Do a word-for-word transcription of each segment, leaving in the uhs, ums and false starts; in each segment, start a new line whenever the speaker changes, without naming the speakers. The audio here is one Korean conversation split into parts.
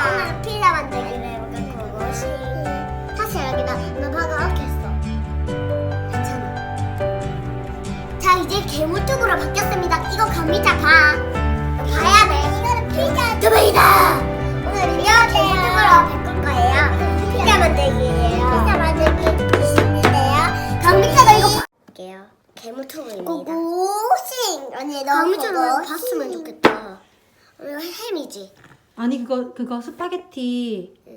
오늘 피자 만들기로 해볼까? 그것이 사실 여기다 나 방금 엉켰어. 괜찮아. 자 이제 괴물쪽으로 바뀌었습니다. 이거 감미자 봐. 너 봐야 돼. 이거는 피자 두배이다. 오늘은요 괴물쪽으로 바꿀 거예요. 피자 만들기예요. 피자 만들기 있는데요. 감미자가 이거 볼게요. 괴물투브입니다. 고고싱 언니 너 감미자는 봤으면 좋겠다. 이거 햄이지.
아니 그거 그거 스파게티.
응.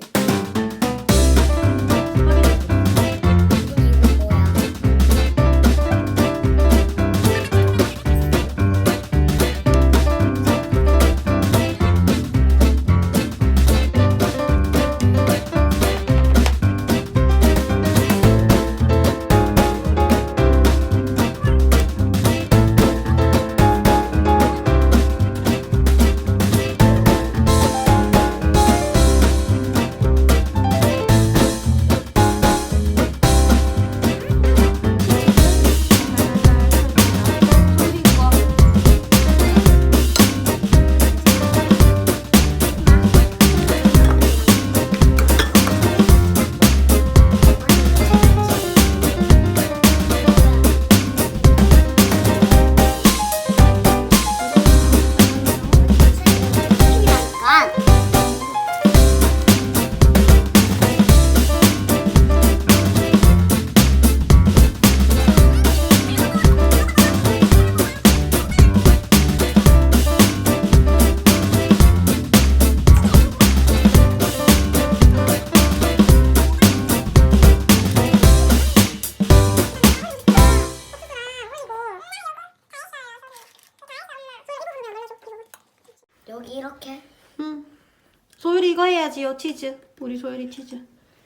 여기 이렇게.
응. 소율이 이거 해야지요. 치즈. 우리 소율이 치즈.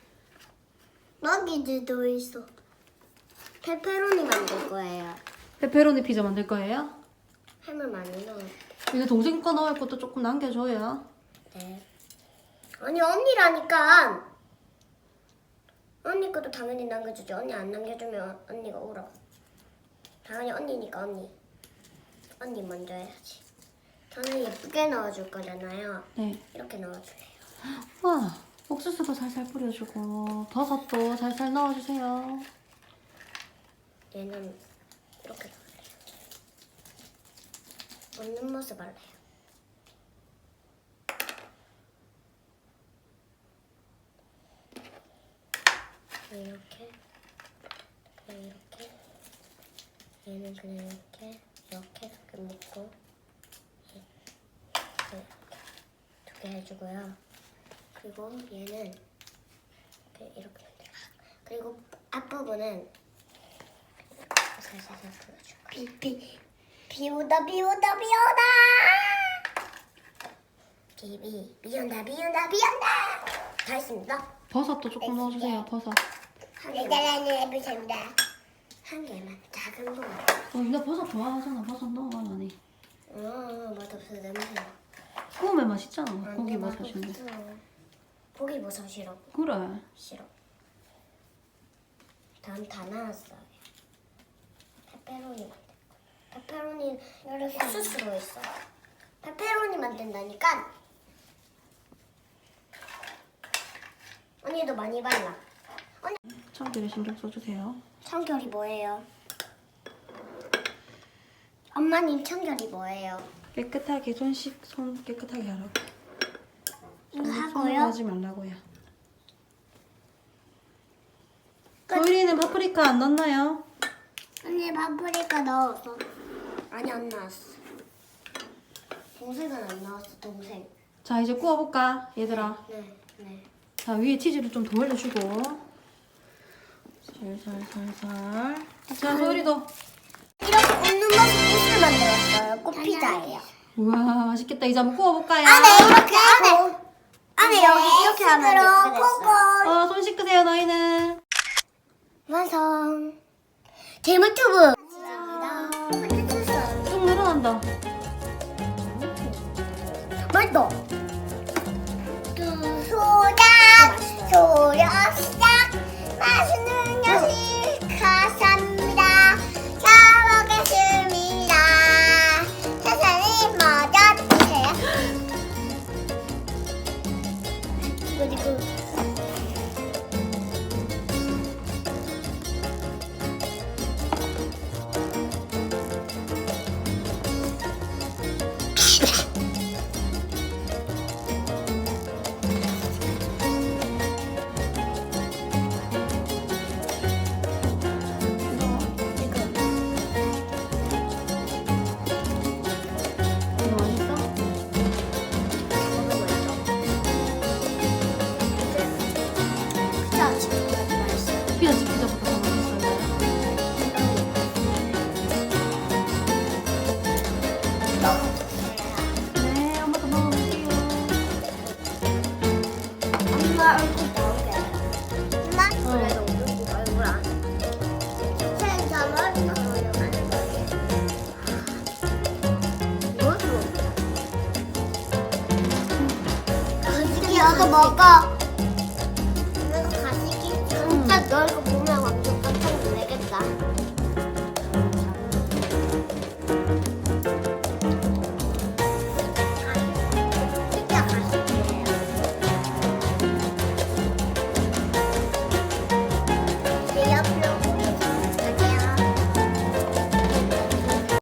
여기도 있어. 페페로니 만들 거예요.
페페로니 피자 만들 거예요?
햄을 많이 넣어.
이거 동생 거 넣을 것도 조금 남겨줘요.
네. 아니 언니라니까. 언니 것도 당연히 남겨주죠. 언니 안 남겨주면 언니가 울어. 당연히 언니니까 언니. 언니 먼저 해야지. 저는 예쁘게 넣어줄 거잖아요.
네.
이렇게 넣어주세요.
와, 옥수수도 살살 뿌려주고 버섯도 살살 넣어주세요.
얘는 이렇게 넣을래요. 없는 모습 할래요. 이렇게, 그냥 이렇게. 얘는 그냥 이렇게, 이렇게 가끔 먹고. 두 개 해주고요. 그리고 얘는 이렇게 이렇게 만들어. 그리고 앞부분은 살살살 풀어줄 거예요. 비, 비 오다 비 오다 비 오다 비비 비 온다 비 온다 비 온다. 다 했습니다.
버섯도 조금 넣어주세요. 버섯.
한 개만 해보십니다. 한 개만 작은 부분.
어, 나 버섯 좋아하잖아. 버섯 넣어 많이.
어 맛없어 냄새.
구우면 맛있잖아.
아니,
고기
맛없어.
버섯인데.
고기 버섯 싫어.
그래.
싫어. 다음 다 나왔어요. 페페로니 만들 거. 페페로니 옥수수로 있어. 페페로니 만든다니까. 언니도 많이 발라. 언니.
참기름 신경 써주세요.
청결이 뭐예요? 엄마님 청결이 뭐예요?
깨끗하게 손 씻, 손 깨끗하게 하라고.
이거
손
하고요?
하지 말라고요. 소율이는 파프리카 안 넣나요?
언니 파프리카 넣었어. 아니 안 나왔어. 동생은 안 나왔어. 동생.
자 이제 구워볼까 얘들아.
네, 네.
자 위에 치즈를 좀 더 올려주고. 살살살살. 자 소율이도.
이렇게 웃는 모습 꽃을 만들었어요. 꽃피자예요.
우와 맛있겠다. 이제 한번 구워볼까요?
안에 이렇게 안에 안에 여기 이렇게 하면 예쁘겠어요.
어, 손 씻으세요 너희는.
완성. 재물투브.
쭉 늘어난다.
맛있다. 소작 소력 시작 맛있는 야식 감사합니다. 잘 먹겠습니다. 천천히 먼저 드세요. 그리고
이거 맛있어?
피자 집까지 맛있어.
피자 집 피자보다 더 맛있어요. 네, 엄마도 먹어볼게요.
엄마 얼굴 나오게. 엄마 그래도 얼굴 얼굴 안. 세상을 나오려면 뭐도. 가식이 너도 먹어. 이거 가식이? 진짜 너 이거